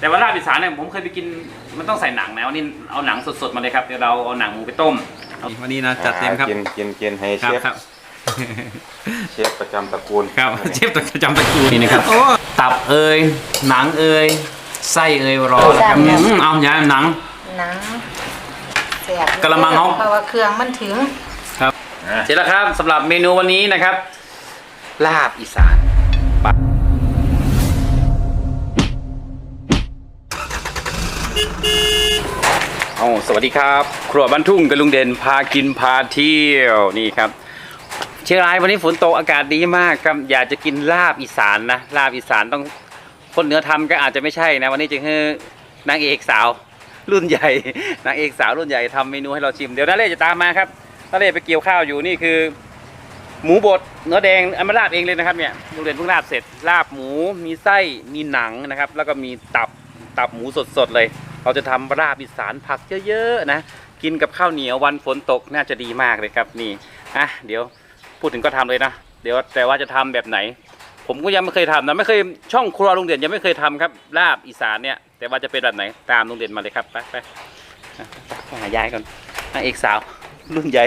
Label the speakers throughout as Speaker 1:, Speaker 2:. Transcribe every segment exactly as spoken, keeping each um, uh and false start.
Speaker 1: แต่ว่าลาบอีสานเนี่ยผมเคยไปกินมันต้องใส่หนังนะวันนี้เอาหนังสดๆมาเลยครับเดี๋ยวเราเอาหนังหมูไปต้มวันนี้นะจัดเต็มครับ
Speaker 2: กินกินกินให้เชฟเชฟประจำตระกูล
Speaker 1: ครับเชฟประจำตระกูลนี่นะครับตับเอยหนังเอยไส้เอยรอแล้วครับเอาอย่าหนัง
Speaker 3: หนังแซ่บ
Speaker 1: กระมังเขา
Speaker 3: เพราะว่าเครื่องมันถึง
Speaker 1: ครับเสร็จแล้วครับสำหรับเมนูวันนี้นะครับลาบอีสานเอาสวัสดีครับครัวบ้านทุ่งกับลุงเด่นพากินพาเที่ยวนี่ครับเชียงรายวันนี้ฝนตกอากาศดีมากครับอยากจะกินลาบอีสานนะลาบอีสานต้องคนเหนือทำก็อาจจะไม่ใช่นะวันนี้จะให้นางเอกสาวรุ่นใหญ่นางเอกสาวรุ่นใหญ่ทำเมนูให้เราชิมเดี๋ยวนาเล่จะตามมาครับนาเล่ไปเกี่ยวข้าวอยู่นี่คือหมูบดเนื้อแดงเอามาลาบเองเลยนะครับเนี่ยลุงเด่นเพิ่งลาบเสร็จลาบหมูมีไส้มีหนังนะครับแล้วก็มีตับตับหมูสดๆเลยเราจะทำลาบอีสานผักเยอะๆนะกินกับข้าวเหนียววันฝนตกน่าจะดีมากเลยครับนี่อ่ะเดี๋ยวพูดถึงก็ทำเลยนะเดี๋ยวแต่ว่าจะทำแบบไหนผมก็ยังไม่เคยทำนะไม่เคยช่องครัวลุงเด่นยังไม่เคยทำครับลาบอีสานเนี่ยแต่ว่าจะเป็นแบบไหนตามลุงเด่นมาเลยครับไปไปหายายก่อนนางเอกสาวรุ่นใหญ่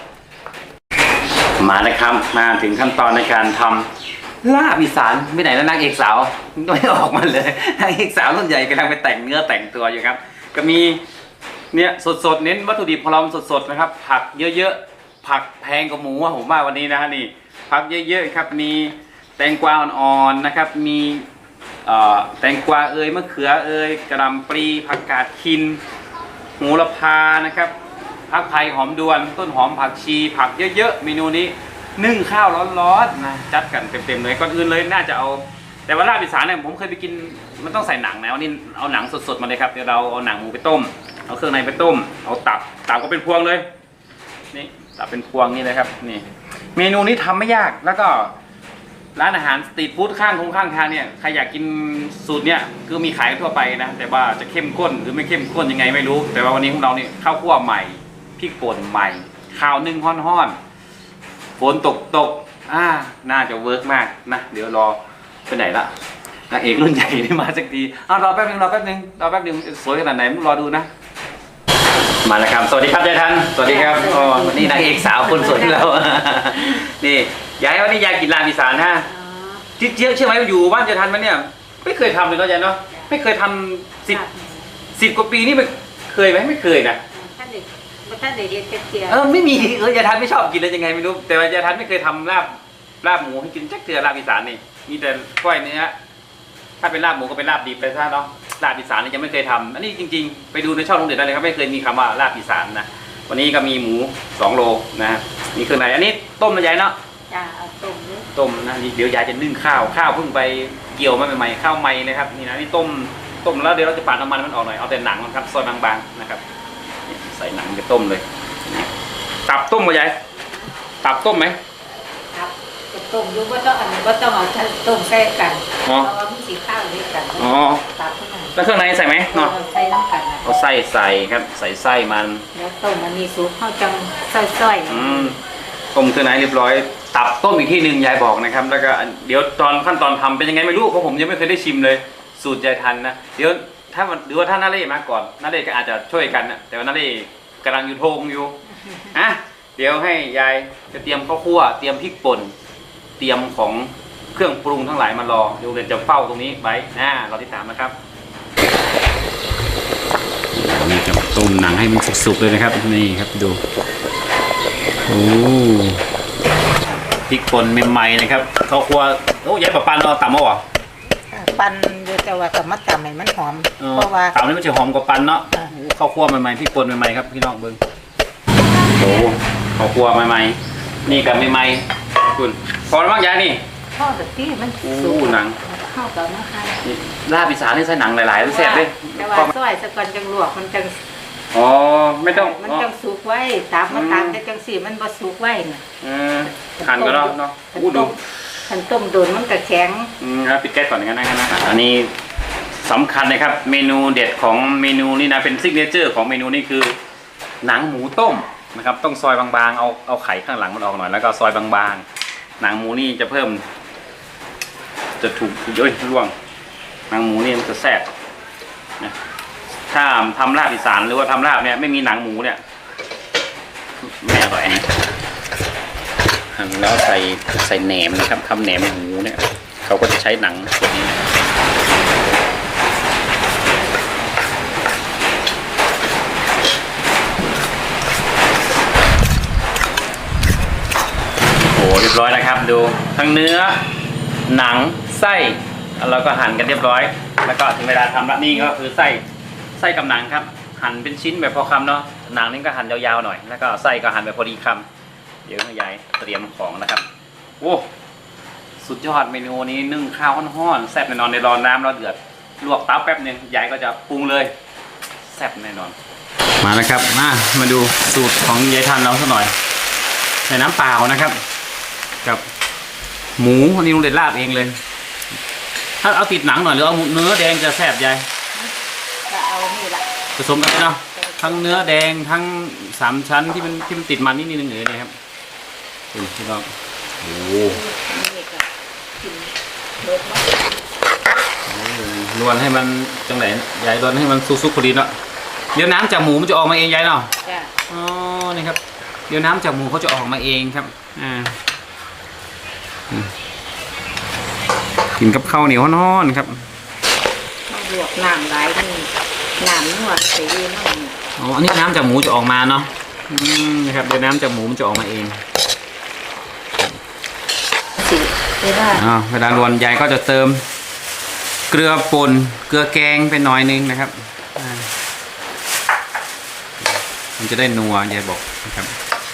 Speaker 1: มานะครับมาถึงขั้นตอนในการทำลาบอีสานไม่ไหนแล้วนางเอกสาวไม่ออกมาเลยนางเอกสาวรุ่นใหญ่กำลังไปแต่งเนื้อแต่งตัวอยู่ครับก็มีเนี่ยสดๆเน้นวัตถุดิบของเราสดๆนะครับผักเยอะๆผักแพงกว่าหมูผมว่าวันนี้นะฮะนี่ผักเยอะๆครับมีแตงกวาอ่อนๆนะครับมีแตงกวาเอยมะเขือเอยกระหล่ำปลีผักกาดขินโหระพานะครับผักไผ่หอมดวนต้นหอมผักชีผักเยอะๆเมนูนี้นึ่งข้าวร้อนๆนะจัดกันเต็มๆเลยก่อนอื่นเลยน่าจะเอาแต่ว่าลาบอีสานเนี่ยผมเคยไปกินมันต้องใส่หนังนะวันนี้เอาหนังสดๆมาเลยครับเดี๋ยวเราเอาหนังหมูไปต้มเอาเครื่องในไปต้มเอาตับตับก็เป็นพวงเลยนี่ตับเป็นพวงนี่เลยครับนี่เมนูนี้ทำไม่ยากแล้วก็ร้านอาหารสตรีทฟู้ดข้างคงข้างทางเนี่ยใครอยากกินสูตรเนี่ยคือมีขายทั่วไปนะแต่ว่าจะเข้มข้นหรือไม่เข้มข้นยังไงไม่รู้แต่ว่าวันนี้ของเราเนี่ยข้าวคั่วใหม่พริกป่นใหม่ข้าวนึ่งห้อนๆฝนตกตกอ่าน่าจะเวิร์กมากนะเดี๋ยวรอไปไหนละนางเอกรุ่นใหญ่ไม่มาสักทีอ้าวรอแป๊บนึงรอแป๊บนึงรอแป๊บนึงสวยขนาดไหนมึงรอดูนะมาแล้วครับสวัสดีครับยายทันสวัสดีครับอ๋อวันนี้นางเอกสาวคนสวยที่เรานี่ยายวันนี้ยายกินลาบอีสานฮะจิ๊เจี๊ยบเชื่อไหมอยู่บ้านยายทันมันเนี่ยไม่เคยทำเลยเนาะยายเนาะไม่เคยทำสิบสิบกว่าปีนี่ไม่เคยไหมไม่เคยนะ
Speaker 3: ท่านเด็กท่านเด็กเรียนเจีย
Speaker 1: เออไม่มีเออยายทันไม่ชอบกินเลยยังไงไม่รู้แต่ว่ายายทันไม่เคยทำลาบลาบหมูให้กินจักเทือลาบอีสานนี่มีแต่ก้อยเนื้อถ้าเป็นลาบหมูก็เป็นลาบดิบไปซะเนาะลาบอีสานนี่ยังไม่เคยทำอันนี้จริงๆไปดูในช่องลุงเด่นได้เลยครับไม่เคยมีคำว่าลาบอีสานนะวันนี้ก็มีหมูสองโลนะมีเครื่องในอันนี้ต้มนะยายเนาะ
Speaker 3: จ้าเอาต้ม
Speaker 1: ต้มนะเดี๋ยวยายจะนึ่งข้าวข้าวเพิ่งไปเกี่ยวมาใหม่ๆข้าวใหม่นะครับนี่นะนี่ต้มต้มแล้วเดี๋ยวเราจะปาดน้ำมันมันออกหน่อยเอาแต่หนังนะครับซอยบางๆนะครับใส่หนังไปต้มเลยตับต้มมายายตับต้มไหม
Speaker 3: ครับต้มอยู่ก็ต้องอันนี้ก็ต้องเอาต้มใส่กันเพราะว่ามีสีข้าวด้วยกัน
Speaker 1: อ๋อ
Speaker 3: ตับข้างใน
Speaker 1: แล้วเครื่องในใส่ไหมเนาะ
Speaker 3: ใส่น้ำกัน
Speaker 1: เอาไส้ใส่ครับใส่ไส้มัน
Speaker 3: แล้วต้มมันมีซุปข้าวจังส้อย
Speaker 1: ๆอืมต้มเครื่องในเรียบร้อยตับต้มอีกที่หนึ่งยายบอกนะครับแล้วก็เดี๋ยวตอนขั้นตอนทำเป็นยังไงไม่รู้เพราะผมยังไม่เคยได้ชิมเลยสูตรยายทันนะเดี๋ยวถ้าหรือว่าถ้านาเล่มาก่อนนาเล่ก็อาจจะช่วยกันนะแต่ว่านาเล่กำลังอยู่โทงอยู่อ่ะเดี๋ยวให้ยายจะเตรียมข้าวคั่วเตรียมพริกป่นเตรียมของเครื่องปรุงทั้งหลายมารอเดี๋ยวเดี๋ยวจะเฝ้าตรงนี้ไว้นะเราติดตามนะครับนี่จะต้มหนังให้มันสุกๆเลยนะครับนี่ครับดูโอ้พริกป่นใหม่ๆนะครับข้าวคั่วโอ้ยายปะปันเราตำเอาหรอ
Speaker 3: ปันเดี๋ยวจะว่ากับมัดตำให้มันหอมเพราะว่า
Speaker 1: ตำนี่มันจะหอมกว่าปันเนาะข้าวคั่วใหม่ๆพริกป่นใหม่ๆครับพี่น้องเบิ้งโอ้ข้าวคั่วใหม่ๆนี่กับใหม่ๆคุณพอแล้วมั้งยายนี่
Speaker 3: ข้าวแบบที่มัน
Speaker 1: สุกหนัง
Speaker 3: ข้าวกับมะขาม
Speaker 1: ลาบอีสานนี่ใส่หนังหลายๆแซ่บเลย
Speaker 3: แต่ว่าซอยสะก่อนจังลวกมันจัง
Speaker 1: อ๋อไม่ต้อง
Speaker 3: มันจังสุกไว้ตามมาตามแต่จังสีมันบ่สุกไว้น่ะ
Speaker 1: อืมหั่นก็เนาะเนาะอู้ดู
Speaker 3: หั่นต้มโดนมันก็แข็ง
Speaker 1: อืมครับปิดแก๊สก่อนอย่างนั้นนะอันนี้สำคัญเลยครับเมนูเด็ดของเมนูนี่นะเป็นซิกเนเจอร์ของเมนูนี่คือหนังหมูต้มนะครับต้องซอยบางๆเอาเอาไข่ข้างหลังมันออกหน่อยแล้วก็ซอยบางๆหนังหมูนี่จะเพิ่มจะถูกเยอะร่วงหนังหมูนี่มันจะแซ่บนะถ้าทำลาบอีสานหรือว่าทำลาบเนี่ยไม่มีหนังหมูเนี่ยไม่อร่อยนะหั่นแล้วใส่ใส่แหนมนะครับทำแหนมหมูเนี่ยเขาก็จะใช้หนังส่วนนี้นะโอ้เรียบร้อยนะครับดูทั้งเนื้อหนังไส้เราก็หั่นกันเรียบร้อยแล้วก็ถึงเวลาทำละนี่ก็คือไส้ไส้กับหนังครับหั่นเป็นชิ้นแบบพอคำเนาะหนังนี่ก็หั่นยาวๆหน่อยแล้วก็ไส้ก็หั่นแบบพอดีคำเดี๋ยวแม่ยายเตรียมของนะครับโอ้สุดยอดเมนูนี้นึ่งข้าวห้อนๆแซ่บแน่นอนในร้อนน้ำเราเดือดลวกเต้าแป๊บนึงยายก็จะปรุงเลยแซ่บแน่นอนมาแล้วครับมามาดูสูตรของยายทันเราสักหน่อยใส่น้ำเปล่านะครับกับหมูอันนี้ลุงเด็ดลาบเองเลยถ้าเอาติดหนังหน่อยหรือเอาเนื้อแดงจะแซ่บยาย
Speaker 3: ก็เอานี่ละ
Speaker 1: ผสมกันเนาะทั้งเนื้อแดงทั้งสามชั้นที่มันที่มันติดมันนิดนึงเลยนะครับดูพี่น้องโอ้
Speaker 3: นี่ก็กินเบิดมา
Speaker 1: ลวนให้มันจังไหนยายลวนให้มันซุกๆพอดีเนาะเดี๋ยวน้ำจากหมูมันจะออกมาเองยายเนาะ
Speaker 3: จ้ะ
Speaker 1: อ๋อนี่ครับเดี๋ยวน้ำจากหมูเขาจะออกมาเองครับอ่ากินกับข้าวเหนียวนอนครับ
Speaker 3: ต้องลวกน้ำหลายนี่น้ำนวดใส่ดีมาก
Speaker 1: อ๋ออันนี้น้ำจากหมูจะออกมาเนาะอืมนะครับเดี๋ยวน้ำจากหมูมันจะออกมาเอง
Speaker 3: สิเวลา
Speaker 1: อ่าเวลารวนยายก็จะเติมเกลือป่นเกลือแกงไปหน่อยนึงนะครับอ่ามันจะได้นัวยายบอกนะครับ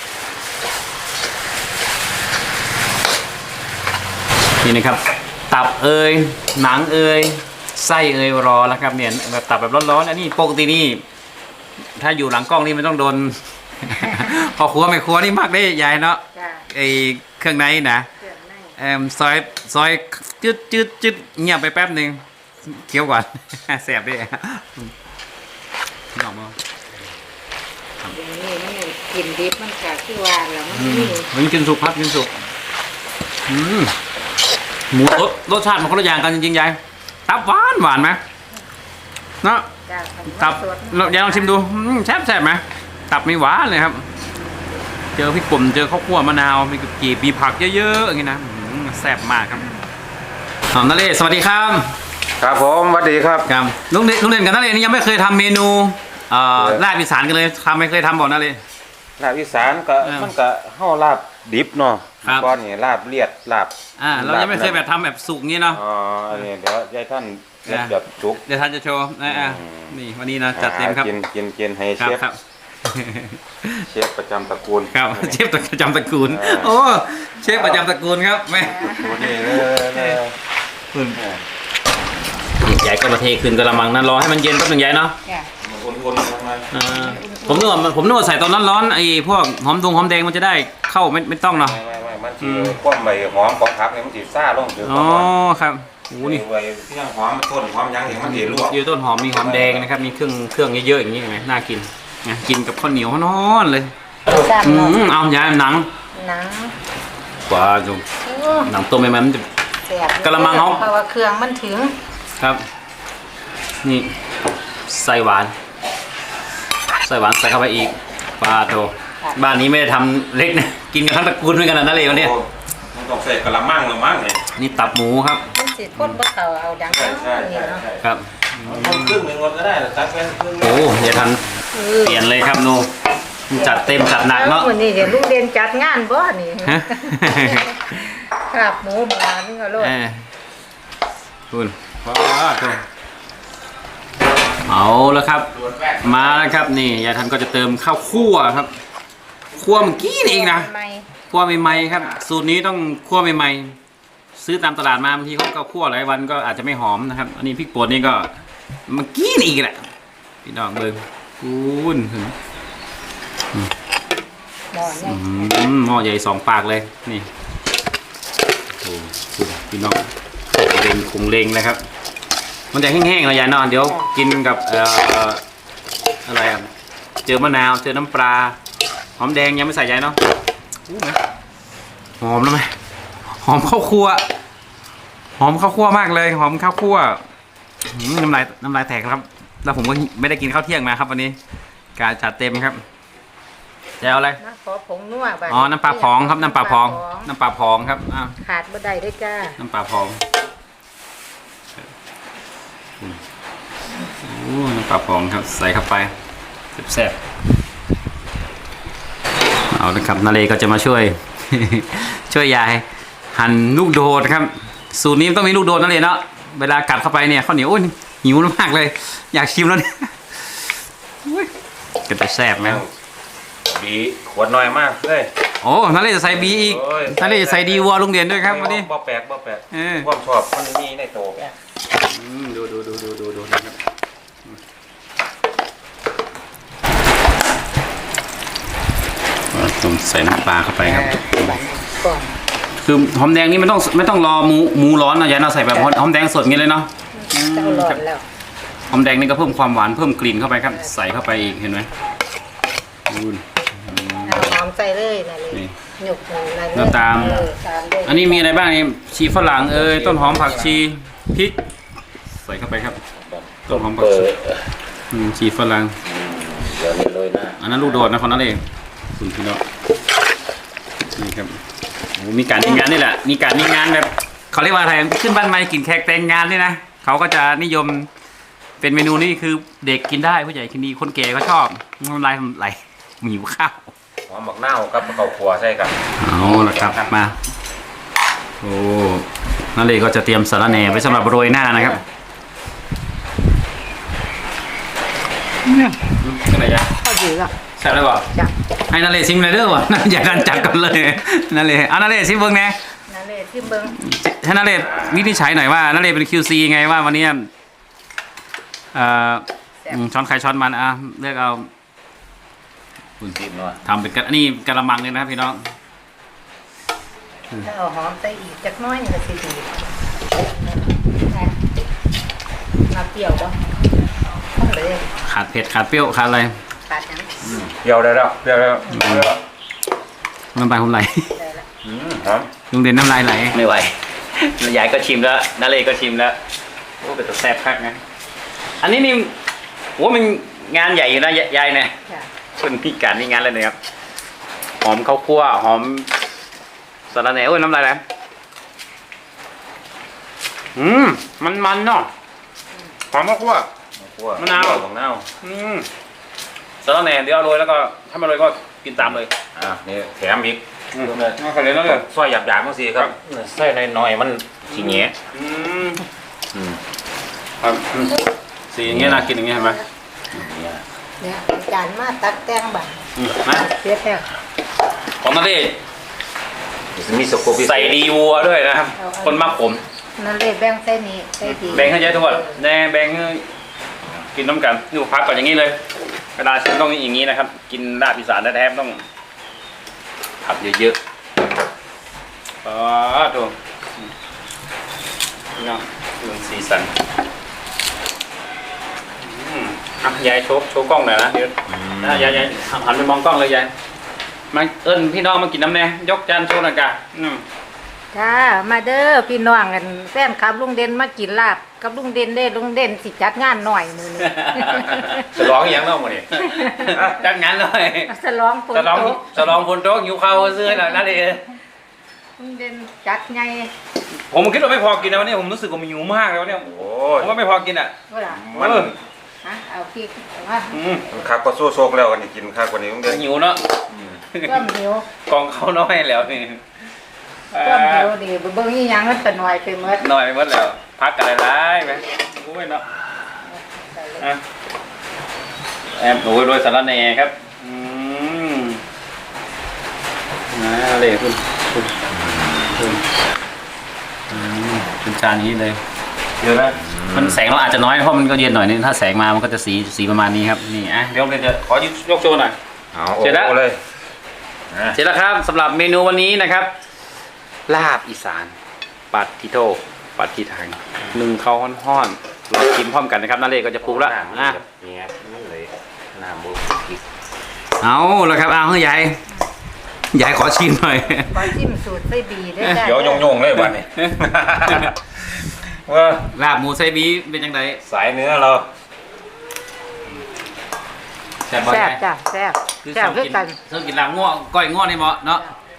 Speaker 1: นี่นะครับตับเอยหนังเอยไส้เอยรอแล้วครับเนี่ยแบบตับแบบร้อนๆอันนี้ปกตินี่ถ้าอยู่หลังกล้องนี่มันต้องโดน พอครัวไม่ครัวนี่มากได้ยายเนาะ
Speaker 3: จ้ะ
Speaker 1: ไอเครื่องในนะ
Speaker 3: เครื่องใน
Speaker 1: เอ่อซอยซอยจืดจืดจืดเงียบไปแป๊บหนึ่งเคี้ยวก่อน แสบด้วยน้องมา
Speaker 3: อย่างนี้มันกินดิบมันก็คือว่าแล้วมัน
Speaker 1: อืม
Speaker 3: นี่
Speaker 1: มันกินสุกครับกินสุกอืมหมูรสรสชาติมันคนละอย่างกันจริงๆยายตับหวานหวานไหมเนาะ
Speaker 3: จ้ะ
Speaker 1: ตับ
Speaker 3: สด
Speaker 1: เรายายลองชิมดูอืมแซ่บแซ่บไหมตับไม่หวานเลยครับ เจอพริกป่นเจอข้าวคั่วมะนาวมีกีบมีผักเยอะๆอย่างนี้นะอืมแซ่บมากครับหอมทะเลสวัสดีครับ
Speaker 2: ครับผมสวัสดีครับ
Speaker 1: ครับลุงเด่นลุงเด่นกับนาเลนี่ยังไม่เคยทำเมนูเอ่อ
Speaker 2: เออ
Speaker 1: ลาบอีสานกันเลยทำไม่เคยทำบอกนาเล
Speaker 2: ลาบอีสานก็
Speaker 1: เออ
Speaker 2: มันก็เฮาลาบดิบเนาะ
Speaker 1: ครับ
Speaker 2: ก้อนนี่ลาบเลียดลาบ
Speaker 1: อ่าเรายังไม่เคยแบบทำแบบสุกงี้เนาะ
Speaker 2: อ๋ออันนี้เดี๋ยวยายท่านเลียด
Speaker 1: อ่า
Speaker 2: แบบจุก
Speaker 1: เดี๋ยวท่านจะโชว์นะอ่ะ
Speaker 2: อืม
Speaker 1: นี่วันนี้นะจัดเต็มครับ
Speaker 2: หากินกินกินให้
Speaker 1: ครั
Speaker 2: เช
Speaker 1: บ
Speaker 2: ฟ
Speaker 1: ครับ
Speaker 2: เชฟประจำตระกูล
Speaker 1: ครับเชฟประจำตระกูล
Speaker 2: เออ
Speaker 1: โอ้เชฟประจำตระกูลครับแม่
Speaker 2: ตัวนี้เลยเลย
Speaker 1: คุณใหญ่ก็มาเทขึ้นกระมังนั้นรอให้มันเย็นแป๊บหนึงใหญ่เนาะ
Speaker 3: จ้ะ
Speaker 2: มันอุ่นๆลงมา
Speaker 1: อ่าผมนึกว่าผมนึกว่าใส่ตอนร้อนๆไอ้พวกหอมดงหอมแดงมันจะได้เข้าไม่ไม่ต้องเนาะ
Speaker 2: ไม่ไม่ไม่มัน
Speaker 1: อื
Speaker 2: สิ
Speaker 1: ม
Speaker 2: ความใบหอมของผักเนี่ยมันสิซ่าลงถึง
Speaker 1: อ๋อ
Speaker 2: ก่อน
Speaker 1: ครับโอ้นี่
Speaker 2: ใบที่ยังหอมมันต้นหอมยังเห็นมันสิลวก
Speaker 1: อยู่ต้นหอมมีหอมแดงนะครับมีเครื่องเครื่องเยอะๆอย่างนี้เห็นไหมน่ากินนะกินกับข้าวเหนียวนอนเลย
Speaker 3: ซ้ำ
Speaker 1: อื
Speaker 3: เนาะ
Speaker 1: มเอายายหนัง
Speaker 3: หนัง
Speaker 1: กว่าจุ
Speaker 3: โอ้
Speaker 1: หนังต้มใหม่ๆมันจะ
Speaker 3: แซ่บ
Speaker 1: กะละมังเขา
Speaker 3: เพราะว่าเครื่องมันถึง
Speaker 1: ครับ นี่ใส่หวานใส่หวานใส่เข้าไปอีกปลาโตบ้านนี้ไม่ได้ทำเล็กนะกินกันทั้งตระกูลเหมือนกันนะนั่นเลยวันนี้
Speaker 2: โอ้มันต้องใส่กะละมังละมั้งเนี่ย
Speaker 1: นี่ตับหมูครับ
Speaker 3: มันสิคนบ่เข้าเอาดัง
Speaker 2: ใช่ใช่
Speaker 3: นี่
Speaker 2: ใช่
Speaker 3: เนาะ
Speaker 2: ใช่
Speaker 1: ครับ
Speaker 2: คนครึ่งหนึ่งคนก็ได้แต่ตักเป็นครึ่ง
Speaker 1: โอ้อย่าทัน
Speaker 3: เออ
Speaker 1: เปลี่ยนเลยครับโนจัดเต็มจัดหนักเนาะ
Speaker 3: วันนี้เดี๋ยวลุงเด่นจัดงานบ่นี่
Speaker 1: ฮะ
Speaker 3: ครับหมูหมานี่ก็โลด
Speaker 1: เออคุณว้าวตัวเอาแล้วครับ มาแล้วครับนี่ยายทันก็จะเติมข้าวคั่วครับคั่วเมื่อกี้นี่เองนะ
Speaker 3: ไม่
Speaker 1: คั่วใหม่ๆครับสูตรนี้ต้องคั่วใหม่ๆซื้อตามตลาดมาบางทีเขาก็คั่วหลายวันก็อาจจะไม่หอมนะครับ อันนี้พริกป่นนี่ก็เมื่อกี้นี่อีกแหละพี่น้องเบิ้งคุณถึง
Speaker 3: หมอใหญ่
Speaker 1: อืมหม้อใหญ่สองปากเลยนี่โอ้โหพี่น้องเล็งคงเล็งนะครับ มันจะแห้งๆเลยยายนอนเดี๋ยวกินกับเอ่ออะไรอ่ะเจอมะนาวเจอน้ำปลาหอมแดงยังไม่ใส่ยายเนาะอู้ไหมหอมแล้วไหมหอมข้าวคั่วหอมข้าวคั่วมากเลยหอมข้าวคั่วอืมน้ำลายน้ำลายแตกครับแล้วผมก็ไม่ได้กินข้าวเที่ยงมาครับวันนี้การจัดเต็มครับจะเอาอะไร
Speaker 3: นะขอผงนัวบัด
Speaker 1: อ๋อน้ำปลาพองครับน้ำปลาพองน้ำปลาพองครับอ้าว
Speaker 3: ขาดบ่ได้เด้อจ้า
Speaker 1: น้ำปลาพองโอ้น้ำปลาพองครับใส่เข้าไปแซ่บๆเอาละครับนาเลก็จะมาช่วย ช่วยยายหั่นลูกโดดครับสูตรนี้ต้องมีลูกโดดนั่นเลยเนาะเวลากัดเข้าไปเนี่ยข้าวเหนียวโอ้ยหิวมากเลย อยากชิมแล้วเนี่ยอุ๊ยก็จะแซ่บไหม
Speaker 2: บีขวดน้อยมากเลย
Speaker 1: โอ้นาเลจะใส่บีอีก
Speaker 2: โอ้ย
Speaker 1: นาเลจะใส่ดีวัวลุงเด่นด้วยครับวันนี้
Speaker 2: บ่แปลกบ่แปลก
Speaker 1: เออ
Speaker 2: ความชอบมันมีในโต
Speaker 1: อืมดูดูดูดูดูดูนะครับต้องใส่น้ำปลาเข้าไปครับ
Speaker 3: บัดนี้ก่อน
Speaker 1: คือหอมแดงนี่ไม่ต้องไม่ต้องรอหมูหมูร้อนนะยายเราใส่แบบหอมแดงสดอย่างนี้เลยเนาะ
Speaker 3: เจ้าร้อนแล้ว
Speaker 1: หอมแดงนี่ก็เพิ่มความหวานเพิ่มกลิ่นเข้าไปครับ ใส่เข้าไปอีกเห็นไหมดู
Speaker 3: เอาหอมใส่เลยนั่นเลย
Speaker 1: นี่
Speaker 3: หยกนั่นเลย
Speaker 1: แล้วตาม
Speaker 3: เออตามด้วย
Speaker 1: อันนี้มีอะไรบ้างนี่ชีฝรั่งเอ้ยต้นหอมผักชีพริก ใส่เข้าไปครับต้นหอมผักชีอืมชีฝรั่ง
Speaker 2: เดี๋ยวนี้เลยนะ
Speaker 1: อันนั้นลูกโดดนะคนนั้นเองคุณพี่น้องนี่ครับโอ้มีการมีงานนี่แหละมีการมีงานแบบเขาเรียกว่าอะไรขึ้นบ้านใหม่กินแขกแต่งงานนี่นะเขาก็จะนิยมเป็นเมนูนี้คือเด็กกินได้ผู้ใหญ่กินดีคนแก่ก็ชอบน้ำลายไหลหิวข้าว
Speaker 2: หอมบักนาวกับข้าวคั่วใช่กัน
Speaker 1: เอาละครับมาโอ้นั่นเลยก็จะเตรียมสาระแหน่ไว้สำหรับโรยหน้านะครับเนี่ยอะไรอย่าง
Speaker 3: ข้าวเหนียว
Speaker 1: แซ่บเลยบ่
Speaker 3: จ้ะ
Speaker 1: ให้นาเลซิมเลยเด้อวะ อย่าดันจัดกันเลยนาเลเอานาเลซิมเบิ้งแน่
Speaker 3: นั่นเลยที่เบิ่ง
Speaker 1: ให้นาเลวินิจฉัยหน่อยว่านาเลเป็น คิว ซี ไงว่าวันนี้เอ่ออืมช้อนใครช้อนมันอ่ะเลือกเอา
Speaker 2: คุณจิ้มหน่อย
Speaker 1: ทำเป็นกระนี่กระมังเลยนะครับพี่น้อง
Speaker 3: ถ้าเอาหอมใส่อีกจักหน้อยก็สิดีนะมาเปรี้ยวบ่เอาเลย
Speaker 1: ขาดเผ็ดขาดเปรี้ยวขาดอะไร
Speaker 3: ขาดหยัง
Speaker 2: เดี๋ยวได้แล้วเดี๋ยวได้แล้วเดี๋ยวได้แล้ว
Speaker 1: น้ำลายผมไหล
Speaker 3: ได้ละ
Speaker 2: อืมหอม
Speaker 1: ลุงเด่นน้ำลายไหลไม่ไหวยายก็ชิมแล้วนาเลก็ชิมแล้วโอ้เป็นตัวแซ่บคักนะอันนี้นี่โอ้มันงานใหญ่อยู่นะยายเนี่ย
Speaker 3: จ้ะ
Speaker 1: คนพิการนี่งานเลยนะครับหอมข้าวคั่วหอมสาระแหน่โอ้ยน้ำลายไหลอืมมันมันเนาะหอมข้าวคั่ว
Speaker 2: คั่ว
Speaker 1: มะนาว
Speaker 2: บักนาว
Speaker 1: อืมสาระแหน่เดี๋ยวเอาโรยแล้วก็ถ้าไม่โรยก็กินตามเลย
Speaker 2: อ่ะนี่แถมอีก
Speaker 1: อืมเอาไปเลยแล้วเลย
Speaker 2: ซอยหยาบๆมั้งสิครับใส่น้อยๆมันสีแง่
Speaker 1: อืม
Speaker 2: อืม
Speaker 1: ครับอืมสีอย่างเงี้ยน่ากินอย่างเงี้ยเห็นไหม
Speaker 2: เนี่ย
Speaker 3: เนี่ยจานมาตักแตงบัด
Speaker 1: อืมนะ
Speaker 3: เสียแล้ว
Speaker 1: ของนาเล
Speaker 2: จะมีสโคปพิเศษ
Speaker 1: ใส่ดีวัวด้วยนะครับ คนมากผม
Speaker 3: นั่นเลยแบ่งใส่นี่ใส่ดี
Speaker 1: แบ่งให้ยายทุกคนแน่แบ่งให้กินน้ำกันนี่ผมพักก่อนอย่างนี้เลยเวลาชิมต้องอย่างนี้นะครับ กินลาบอีสานแท้ๆต้องผัดเยอะๆอ๋อดูนี่เนาะดูสีสันอืมอ่ะยายโชว์โชว์กล้องหน่อยนะเดี๋ยวนะยายยายหันไปมองกล้องเลยยายมาเอิ้นพี่น้องมากินน้ำแน่ยกจานโชว์หน่อยกะอืม
Speaker 3: จ้ามาเด้อพี่น้องกันแฟนคลับลุงเด่นมากินลาบกับลุงเด่นเด้ลุงเด่นสิจัดงานหน่อยมื้อนี้
Speaker 2: จะร้องอีหยังเนาะมื้อนี้
Speaker 1: จัดงานเลย
Speaker 3: สลองฝน
Speaker 1: จะลอง
Speaker 3: ตก
Speaker 1: จะลองคนโต๊ะหิวข้าวซื้อหน่อยนะดิ
Speaker 3: ลุงเด่นจัดไง
Speaker 1: ผมคิดว่าไม่พอกินนะวันนี้ผมรู้สึกว่ามันหิวมากแล้วเนี่ย
Speaker 2: โอ้
Speaker 1: ผ
Speaker 2: ย
Speaker 1: มว่าไม่พอกินอ่ะ
Speaker 3: ว่าล่ะ
Speaker 2: มัน
Speaker 1: เออ
Speaker 3: ฮะเอาพริกเอามา
Speaker 1: อืม
Speaker 2: มันคักก็สู้โซกแล้วกันนี่กินคักกว่านี้ต้องเดิน
Speaker 1: หิวเนาะ
Speaker 3: ต้มหิว
Speaker 1: กองเขาน้อยแล้วนี่
Speaker 3: ต้มหิวดีเบิ่งอีหยังมันก็น้อยไปหมด
Speaker 1: น้อยไปหมดแล้วพักกันอะไรไหมโอ้ยเนาะอ่ะแอบโอ้ยโรยสาระแหน่ครับอืมนะเลยคุณคุณคุณอืมเป็นจานนี้เลย เดี๋ยวนะมันแสงเราอาจจะน้อยเพราะมันก็เย็นหน่อยนึงถ้าแสงมามันก็จะสีสีประมาณนี้ครับนี่อ่ะเดี๋ยวเราจะขอยกยกโชว์หน่อย
Speaker 2: เอา
Speaker 1: เสร็จแล้ว
Speaker 2: โอ้เลยนะ
Speaker 1: เสร็จแล้วครับสำหรับเมนูวันนี้นะครับ ลาบอีสานปัดทิโตปัดทิทางหนึ่งข้าวห้อนๆเรากินพร้อมกันนะครับนั่นเลยก็จะปรุงแล้ว
Speaker 2: น้ำนี่
Speaker 1: อ่ะ
Speaker 2: แบบเนี่ยมันเลยน้ำบุกอีก
Speaker 1: เอาแล้วครับเอาเฮ้ยยายยายขอชิมหน่อย
Speaker 3: ขอชิมสูตรไส้บีได้จ้ะ
Speaker 2: เดี๋ยวโยงๆเลยบ้านนี้ ว่า
Speaker 1: ลาบหมูไซบีเป็นยังไง
Speaker 2: สายเนื้อเรา
Speaker 1: ซ่บบ่
Speaker 3: แซ่
Speaker 1: ยา
Speaker 3: บ
Speaker 1: ย
Speaker 3: จ้ะแซ่บ
Speaker 1: คือ
Speaker 3: แซ่บ
Speaker 1: ชอบ
Speaker 3: คือ
Speaker 1: กิน
Speaker 3: กัน
Speaker 1: ชอบกินลาบง้อก้อยง้อนี่เหมาะเนาะ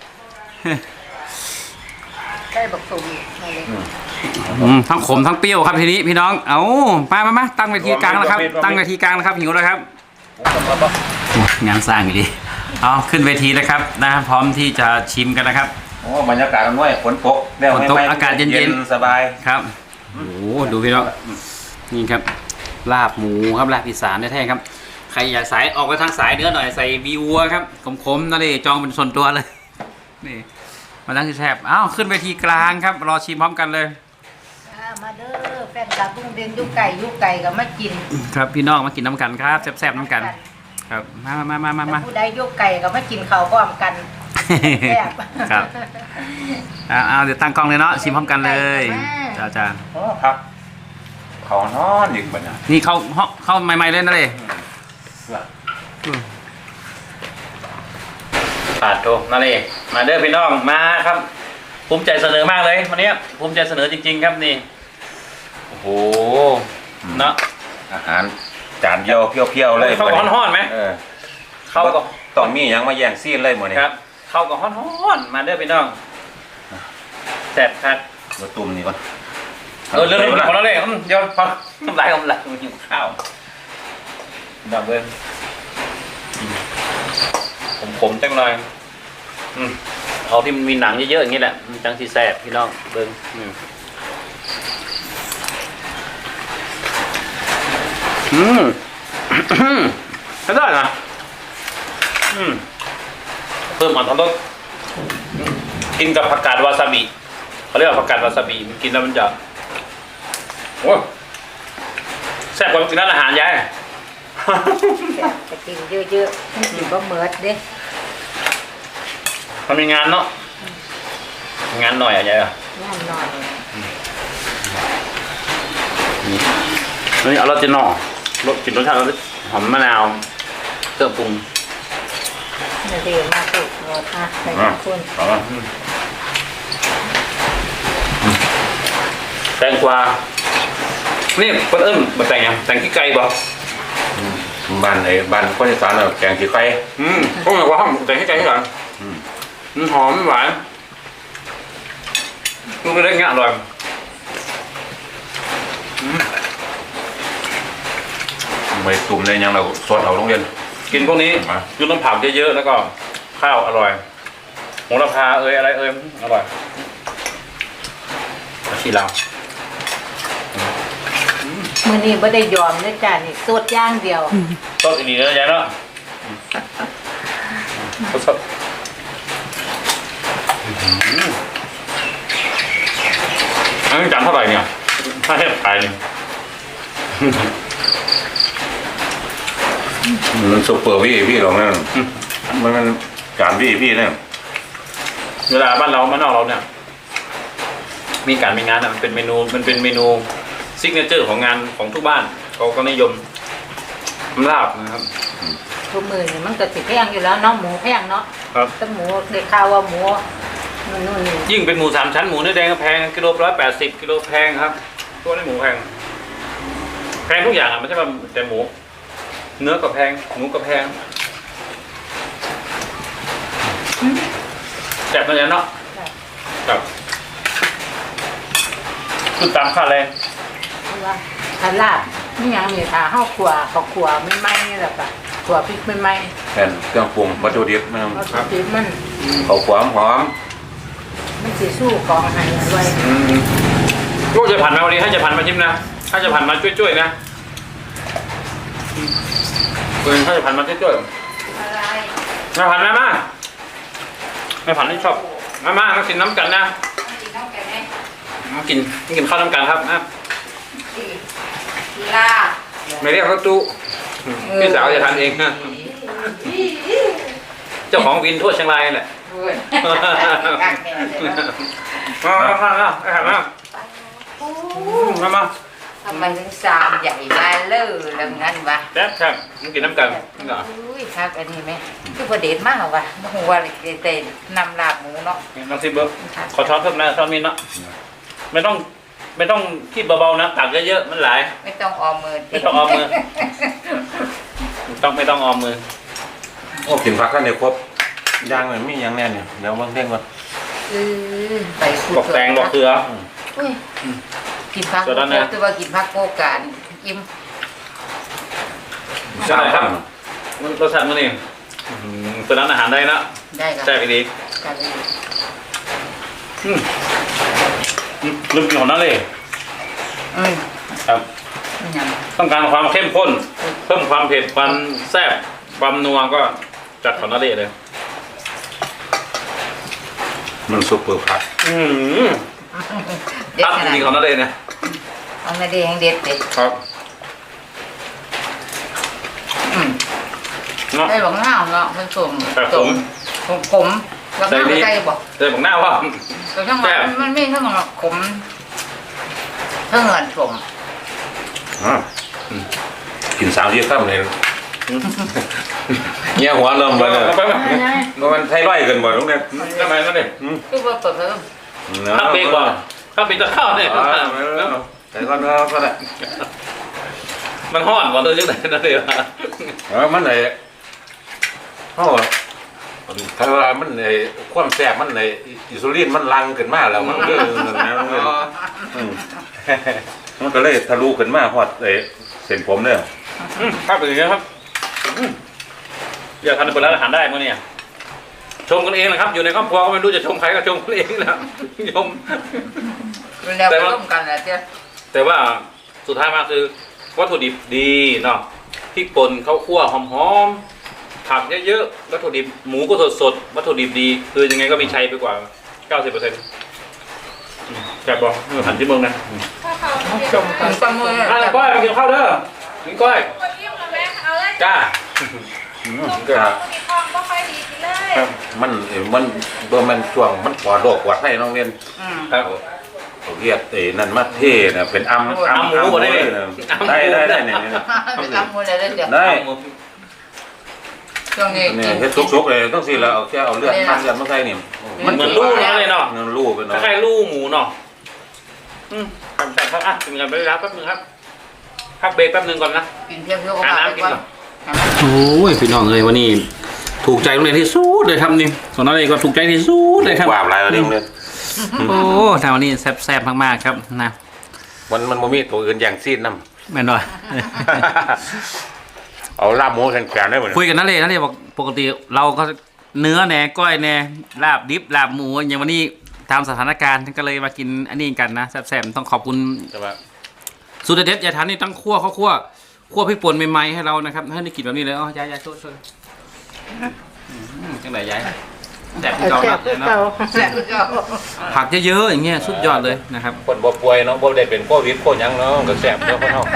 Speaker 3: ได้บักสมมาเลย
Speaker 1: อืมทั้งขมทั้งเปรี้ยวครับทีนี้พี่น้อง เอามามามาตั้งเวทีกลางแล้วครับ ตั้งเวทีกลางแล้วครับหิวแล้วครับ งานสร้างอยู่ดี เอาขึ้นเวทีแล้วครับนะพร้อมที่จะชิมกันนะครับ
Speaker 2: โอ้บรรยากาศมันง่ายฝนตกแล้ว
Speaker 1: ฝนตก
Speaker 2: ไม่ไม่
Speaker 1: อากาศเย็นๆ
Speaker 2: สบาย
Speaker 1: ครับโอ้โหดูพี่น้องนี่ครับลาบหมูครับลาบอีสานแท้ๆครับใครอยากสายออกไปทางสายเนื้อหน่อยใส่บีวัวครับขมๆนั่นเลยจองเป็นส่วนตัวเลยนี่มาตั้งที่แทบอ้าวขึ้นเวทีกลางครับรอชิมพร้อมกันเลย
Speaker 3: อ่ามาเด้อแฟนคลับลุงเด่นยุกไก่ยุกไก่ก็มากิน
Speaker 1: ครับพี่น้องมากินน้ำกันครับแซ่บๆน้ำกัน ครับมามามามามา
Speaker 3: ผู้ใดยุกไก่ก็มากินข้าวพร้อมกันแซ่บ
Speaker 1: ครับเอาเอาเดี๋ยวตั้งกล้องเลยเนาะชิมพร้อมกันเลยจ้าจ้า
Speaker 2: โอ้ครับเขานอนอีกบัดเนี่ย
Speaker 1: นี่เข้าห้องเข้าใหม่ๆเลยนะเลยปาดโตนั่นเลยมาเด้อพี่น้องมาครับ ภูมิใจเสนอมากเลยวันนี้ภูมิใจเสนอจริง ๆ ครับนี่โอ้โหเนาะ
Speaker 2: อาหารจานเดียวเพี้ยวๆเลย
Speaker 1: เข้ากับฮ้อนๆไหม
Speaker 2: เออ
Speaker 1: เข้ากับ
Speaker 2: ต้องมีหยังมาแย่งซีนเลยหมดนี่
Speaker 1: ครับ เข้ากับฮ้อนๆมาเด้อพี่น้องแซ่บครับ
Speaker 2: มาตุ่มนี่ก่อน
Speaker 1: เออเรื่องนี้ของเราเลยอืมเดี๋ยวพอน้ำลายกำลังหิวข้าวดับเบิ้ลผมผมๆจังเลยอืมเอาที่มันมีหนังเยอะๆอย่างนี้แหละมันจังสีแซ่บพี่น้องเบิ้งอืมอืม ใช้ได้นะอืมเพิ่มอัตรรสกินกับผักกาดวาซาบิเขาเรียกว่าผักกาดวาซาบิมันกินแล้วมันจะโอ้แซ่บกว่ากินร้านอาหารยาย
Speaker 3: แซ่บจะกินเยอะๆมันกินบ่เหมิดเด้
Speaker 1: มันมีงานเนาะงานหน่อยอะยายอะ
Speaker 3: งานหน่อย
Speaker 1: นี่เอารสเจนอรสกลิ่นรสชาติรสหอมมะนาวเครื่องปรุง
Speaker 3: นี่เดี๋ยวมาสุกรสอ่ะใส่ขอบคุณ
Speaker 2: เอาละ
Speaker 1: แตงกวานี่เพิ่นเอิ่มมาแต่งยังแต่งขี้ไก่บ่
Speaker 2: บ้านไอ้บ้านคนอีสานน่ะแกงขี้ไก่
Speaker 1: อืมพวกมันว่าห้องแต่งขี้ไก่ที่หลัง
Speaker 2: อืม
Speaker 1: มันหอมหวานลูกเล็กๆเงี้ยอร่อยอืม
Speaker 2: ไม่ตุ่มเลยยังเราสดเอาโรงเรียน
Speaker 1: กินพวกนี้
Speaker 2: มา
Speaker 1: ยุน้ำผักเยอะๆแล้วก็ข้าวอร่อยโหระพาเอ้ยอะไรเอ้ยอร่อยที่เรา
Speaker 3: มื้อนี้บ่ได้ยอมเด้อจ้านี่สดอย่างเดียว
Speaker 1: ต้นอีนีเนื้อยายเนาะสดอันนี้จานเท่าไหร่เนี่ยถ้าเทียบขายเนี่ย
Speaker 2: มันซุปเปอร์วี่พี่หรอกนั่นมันมันจานวี่พี่เนี่ย
Speaker 1: เวลาบ้านเราบ้านนอกเราเนี่ย มีการมีงานอะมันเป็นเมนูมันเป็นเมนูซิกเนเจอร์ของงานของทุกบ้านเขาก็นิยมลาบนะครับ
Speaker 3: ทุกมื้อนี่มันก็สิแพงอยู่แล้วเนาะหมูแพงเนาะ
Speaker 1: ครับ
Speaker 3: แต่หมูได้ข่าวว่าหมูนู่นนู่นนี่
Speaker 1: ยิ่งเป็นหมูสามชั้นหมูเนื้อแดงก็แพงกิโลร้อยแปดสิบกิโลแพงครับ ตัวนี้หมูแพงแพงทุกอย่างอ่ะไม่ใช่ว่าแต่หมู เนื้อก็แพงหมูก็แพงแซ่บนั่นแหละเนาะครับคือตามค่าแรง
Speaker 3: เพราะว่าถ้าลาบนี่หยังนี่ถ้าเฮาขัวข้าวขัวไม่ไหม้นี่แหละค่ะขัวพริกไม่ไหม้
Speaker 2: แผ่นเครื่องปรุงวัตถุดิบมัน
Speaker 3: เพราะพริกมัน
Speaker 2: เขาขวามหอม
Speaker 3: มันสิสู้กองอาหารอร่อย
Speaker 1: อืมลูกจะผ่านมาวันนี้ให้จะผ่านมาชิมนะถ้าจะผ่านมาช่วยๆนะเออถ้าจะผ่านมาช่วย
Speaker 3: อะไร
Speaker 1: ๆมาผ่านมามาไม่ผ่านที่ชอบมามามากินน้ำกันนะ
Speaker 3: กินน้ำแกงไหม
Speaker 1: มากินกินข้าวน้ำกันครับนะ
Speaker 3: ลาบ
Speaker 1: ไม่เรียกรถตู้พี่สาวจะทานเองนะเจ้าของวินทั่วเชียงรายแหละ
Speaker 3: เว้ยกางแกงเลยนะ
Speaker 1: มามามามาไปหามามามา
Speaker 3: ทำไมถึงซามใหญ่มาเลอแล้วงั้นวะ
Speaker 1: แซ่บครับกินน้ำกันนี่เหรอ
Speaker 3: อุ้ยครับอันนี้ไหมคือประเด็นมากว่ะไม่รู้ว่าเต้นนำลาบหมูเนาะ
Speaker 1: น้องซิเบอร์ขอช้อนเพิ่มนะช้อนมีเนาะไม่ต้องไม่ต้องคิดเบาๆนะตักเยอะๆมันหลาย
Speaker 3: ไม่ต้องออมมือ
Speaker 1: ไม่ต้องออมมือต้องไม่ต้องออมมือ
Speaker 2: โอ้กินผักกันเนี่ยครบย่างเลยมีอย่างแน่เนี่ยเดี๋ยวบางเท่งก่อน
Speaker 3: อือไปขุด
Speaker 1: บอกแตงบอกเกลือ
Speaker 3: อุ้ยกินผัก
Speaker 1: ส่วนนั้นนะ
Speaker 3: แต่ว่ากินผักโกการอิ่ม
Speaker 1: ใช่ครับรสชาติมันนี่เป็นร้านอาหารได้นะ
Speaker 3: ได้ครับ
Speaker 1: ใช่ไปดี
Speaker 3: กันเลย
Speaker 1: อืมลืมกินของนั่นเลย
Speaker 3: อืม
Speaker 1: ครับ
Speaker 3: มันยัง
Speaker 1: ต้องการความเข้มข้น เพิ่มความเผ็ดความแซ่บความนัวก็จัดของนั่นเลยเลย
Speaker 2: มันซุปเปอร์ผัก
Speaker 1: อืม
Speaker 3: เด็ด
Speaker 1: ตั้ง
Speaker 3: ขนาด
Speaker 1: จริงๆของนั่นเลยเนี่ย
Speaker 3: เอาไม่ได้แห้งเด็ดเด็ด
Speaker 1: ครับ
Speaker 3: อืม
Speaker 1: เนาะ
Speaker 3: ได้บอกง่าวเนาะมันสุ่ม
Speaker 1: แบบผม
Speaker 3: ผมผมแล้วง่าวไปใส่บอก
Speaker 1: เดี๋ยวบอกหน้าว่า
Speaker 3: แต่ทั้งหมดมันไม่ทั้งหมดขมทั้งเงินผม
Speaker 2: อ่ากินสามที่ข้ามเลยเงี้ยหัวเริ่ม
Speaker 1: ไป
Speaker 2: ไปเลย
Speaker 1: ไปไป
Speaker 2: มันไทรอยด์กันหมดตรงเนี้ย
Speaker 1: ทำไมนั่นเนี่ย
Speaker 3: คือว่าเปิดเพิ่ม
Speaker 1: ข้าวเบรกว่ะข้าวเบรกจะเข้าเนี่ย
Speaker 2: แต่ก็เนาะก็ได้
Speaker 1: มันห่อนกว่าตัวยังไงนั่นเลยว่ะ
Speaker 2: เออมันไอ้เขาถ้าว่ามันไอ้ความแซ่บมันไอ้อิซูลินมันลังขึ้นมาแล้วมันก็นั่นนะมันก็มันก็เลยทะลุขึ้นมาฮอดไอ้เส้นผมเนี่ย
Speaker 1: ครับเป็นอย่างนี้ครับอยากทานเป็นร้านอาหารได้มั้งเนี่ยชมกันเองนะครับอยู่ในครอบครัวก็ไม่รู้จะชมใครก็ชมกันเองนะชม
Speaker 3: แล้วไปร่วมกันแหละเจ้า
Speaker 1: แต่ว่าสุดท้ายมาคือวัตถุดิบดีเนาะพริกป่นข้าวคั่วหอมๆผักเยอะๆวัตถุดิบหมูก็สดๆวัตถุดิบดีคือยังไงก็มีชัยไปกว่า เก้าสิบเปอร์เซ็นต์ แกบอกหันที่เมืองนะ
Speaker 3: ชมกันกันมือ
Speaker 1: อ่ะก้อยมากินข้าวเด้อกินก้อย
Speaker 4: คนยิ้มเลยไหมเอาเลย
Speaker 1: จ้า
Speaker 4: ลูกสาวมีทองก็ค่อยดีกินเลย
Speaker 2: มันมันเบอร์มันช่วงมันปลอดโรคปลอดภัยน้องเรียน
Speaker 3: อืม
Speaker 1: ครับ
Speaker 2: เขาเรียกไอ้นั่นมาเท่นะเป็นอัม
Speaker 1: อัมหมูได้ไหม
Speaker 2: ได้ได้ได้เนี่ยเนี่ย
Speaker 3: ไปทำมือเลยเดี๋ยว
Speaker 2: ได้
Speaker 3: ช่วงนี้
Speaker 2: เนี่ยเฮ็ดซุกๆเลยต้องสิแล้วเอาแค่เอาเลือดมันเลือดมาใส่นี่
Speaker 1: มันเหมือนลู่เนาะเลยเนาะ
Speaker 2: เงินลู่ไป
Speaker 1: ค
Speaker 2: เนาะ
Speaker 1: ล้ายๆลู่หมูเนาะอืมครับแต่ครับอ่ะกินกันไปแล้วแป๊บนึงครับพักเบรกแป๊บนึงก่อนนะ
Speaker 3: กินเพียงเพียงก็
Speaker 1: หา
Speaker 3: มา
Speaker 1: น้ำกิน
Speaker 3: ก่อน
Speaker 1: ก่อนโอ้ยพี่น้องเลยวันนี้ถูกใจโรงเรียนที่สุดเลยครับนี่ส่วนนั้นเองก็ถูกใจที่สุดเลยครับ
Speaker 2: ว่าอะไรวะนี่โรงเรียน
Speaker 1: โอ้ทางวันนี้แซ่บๆมากๆครับนะ
Speaker 2: มันมันบ่มีตัวอื่นอย่างซีดนำ
Speaker 1: แม่นหน่อย
Speaker 2: เอาลาบหมูแข็งๆได้บ่
Speaker 1: คุยกันนั่นเลยนั่นเลยบอกปกติเราก็เนื้อแหน่ก้อยแหน่ลาบดิบลาบหมูอย่างวันนี้ตามสถานการณ์ก็เลยมากินอันนี้กันนะแซ่บๆต้องขอบคุณ
Speaker 2: ใช่ป่ะ
Speaker 1: สูตรเด็ดยายทันนี่ตั้งคั่วข้าวคั่วคั่วพริกป่นใหม่ๆให้เรานะครับให้ได้กินแบบนี้เลยอ๋อยายยายช่วยช่วยอืมจังไหนยายแซ่บที่เก่านะยายเนาะ
Speaker 3: แซ่บคือเก่า
Speaker 1: ผักเยอะๆอย่างเงี้ยสุดยอดเลยนะครับ
Speaker 2: คนบ่ป่วยเนาะบ่ได้เป็นโควิดโคหยังเนาะก็แซ่บเนาะคนเฮา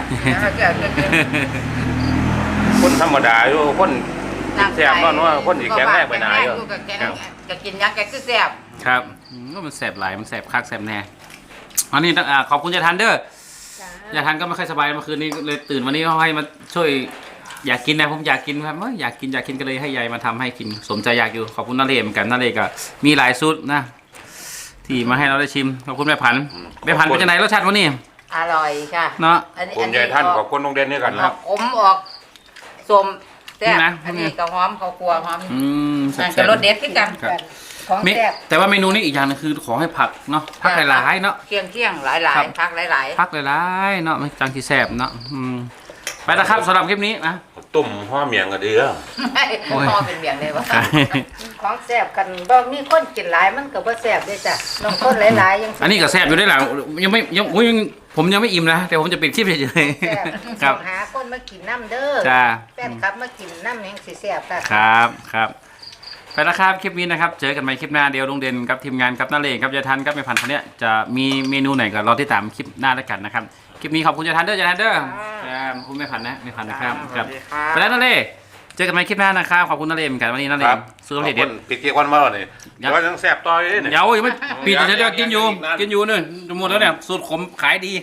Speaker 2: คนธรรมดาอยู่คนแซ่บเนาะว่าคนสิแข็งแรงไปหนาอยู่
Speaker 3: ก็กินยักษ์แกคือแซ่บ
Speaker 1: ครับอืมก็มันแสบหลายมันแสบคักแสบแน่อันนี้ต้องอ่าขอบคุณยายทันเด้อยายทันก็ไม่ค่อยสบายเมื่อคืนนี้เลยตื่นวันนี้เขาให้มาช่วยอยากกินนะผมอยากกินครับเอ้ยอยากกินอยากกินก็เลยให้ยายมาทำให้กินสมใจอยากอยู่ขอบคุณนาเรศเหมือนกันนาเรศก็มีหลายสูตรนะที่มาให้เราได้ชิมขอบคุณแม่พันธุ์แม่พันธุ์เป็นยังไงรสชาติวันนี้
Speaker 3: อร่อยค่ะ
Speaker 1: เนาะ
Speaker 2: คุณยายท่านขอบคุณโรงเรียนนี้กัน
Speaker 3: อ
Speaker 2: นะ
Speaker 3: อกอมออกสมแซ่บอันนี้ก็หอมข้าวคั่วหอม
Speaker 1: อืม
Speaker 3: นั่น
Speaker 1: แซ่
Speaker 3: ก็
Speaker 1: บ
Speaker 3: รสเด็ดขึ้นกัน
Speaker 1: ครับ
Speaker 3: ของ
Speaker 1: มี
Speaker 3: แซ่บ
Speaker 1: แต่ว่าเมนูนี้อีกอย่างหนึงคือขอให้ผักเนาะผักหลายๆเนาะ
Speaker 3: เคียงเคียงๆหลายหลา
Speaker 1: ครั
Speaker 3: ย
Speaker 1: บ
Speaker 3: พักหลายหลาย
Speaker 1: ผักหลายๆเนาะไม่จังที่แสบเนาะอืมไปแล้วครับสำหรับคลิปนี้นะ
Speaker 2: ตุ่มห่อเมียงก็ดีแล้ว
Speaker 1: โอ้ย
Speaker 3: พอเป็นเบียงเลยวะของแซ่บกันบ่มีคนกินหลายมันก็บ่แซ่บด้วยจ้ะน้องคนหลายๆยัง
Speaker 1: อันนี้ก็แซ่บอยู่ได้หละยังไม่ยังอุ๊ยยังผมยังไม่อิ่มนะแต่ผมจะปิดคลิปเฉย
Speaker 3: แซ่บ
Speaker 1: ๆครับ
Speaker 3: หาคนมากินน้ำเด้อ
Speaker 1: จ้า
Speaker 3: แฟนคลับมากินน้ำแหงสิแซ่บค่ะ
Speaker 1: ครับครับไปแล้วครับคลิปนี้นะครับเจอกันใหม่คลิปหน้าเดียวลุงเด่นกับทีมงานกับน้าเลงกับยายทันกับแม่พันธุ์คนเนี้ยจะมีเมนูไหนก็รอติดตามคลิปหน้าแล้วกันนะครับคลิปนี้ขอบคุณยายทันเด้อยายทันเด้อครับขอบคุณแม่พันธุ์นะแม่พันธุ์นะครับครับไปแล้วน้าเลเจอกันใหม่คลิปหน้านะครับขอบคุณน้าเลเหมือนกันวันนี้น้าเลสู้
Speaker 2: ข
Speaker 1: กับ
Speaker 2: อบ
Speaker 1: เด็
Speaker 2: คุ
Speaker 1: ด
Speaker 2: ณพี่เกียร์วันมาแล้วนี่
Speaker 1: ยัง
Speaker 2: ก็ยังแซ่บต่อยนี่
Speaker 1: เดี๋ยวยังไม่ปิดเดี๋ยวกินอยู่กินอยู่เนี่ยหมดแล้วเนี่ยสูตรขมขายดี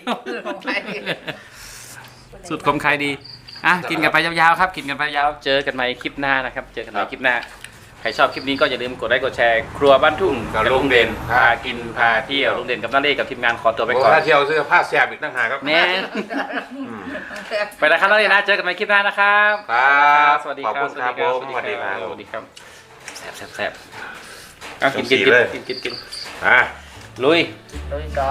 Speaker 1: สุดคมขายดี อ่ะ กินกันไปยาวๆครับ กินกันไปยาว เจอกันใหม่คลิปหน้านะครับ เจอกันใหม่คลิปหน้ารชอบคลิปนี้ก็อย่าลืมกดไลค์กดแชร์ครัวบ้านทุ่ง
Speaker 2: กับลุงเด่น
Speaker 1: พากินพาเที่ยวลุงเด่นกับน้าเล่กับทีมงานขอตัวไป
Speaker 2: ไป
Speaker 1: ก่อน
Speaker 2: ถ้าเที่ยวซื้อผ้าแซ่บอีกต่างหากครับ
Speaker 1: แม่ไปแล้วครับน้าเล่นะเจอกันใหม่คลิปหน้านะครับ
Speaker 2: ครับ
Speaker 1: สวัสดี
Speaker 2: ขอบ
Speaker 1: ครับ
Speaker 2: คุณครับผม
Speaker 1: สวัสดีครับ
Speaker 2: ส
Speaker 1: ส
Speaker 2: วั
Speaker 1: วั
Speaker 2: ส
Speaker 1: ส
Speaker 2: ดี
Speaker 1: ดี
Speaker 2: ค
Speaker 1: ค
Speaker 2: รั
Speaker 1: รับ บแซ่บแซ่บแซ่บเอากินกิน
Speaker 2: สีเลย
Speaker 1: กินกินกิน
Speaker 2: อ่ะ
Speaker 1: ลุย
Speaker 3: โดยสอง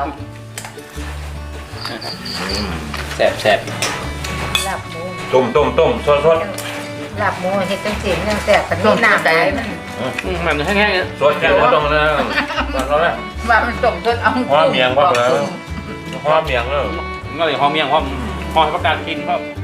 Speaker 1: แซ่บแซ่บ
Speaker 3: ลาบหมู
Speaker 2: ต้มต้มต้มซดซด
Speaker 3: ลาบหมูเฮ็ดจังซี่ยังแซ่บกันนี่น้ำได้มัน
Speaker 1: อืมมันแห้งๆเนี่ย
Speaker 2: ซดแค่ว่าตรงนั้นตอนนั้น
Speaker 3: ว่ามันต้มจนเอา
Speaker 2: ว่าเมียงว่าแล้ว หอมเมียงเออ
Speaker 1: ก็เลยหอมเมียงหอมหอมให้ประกาศกินเพราะ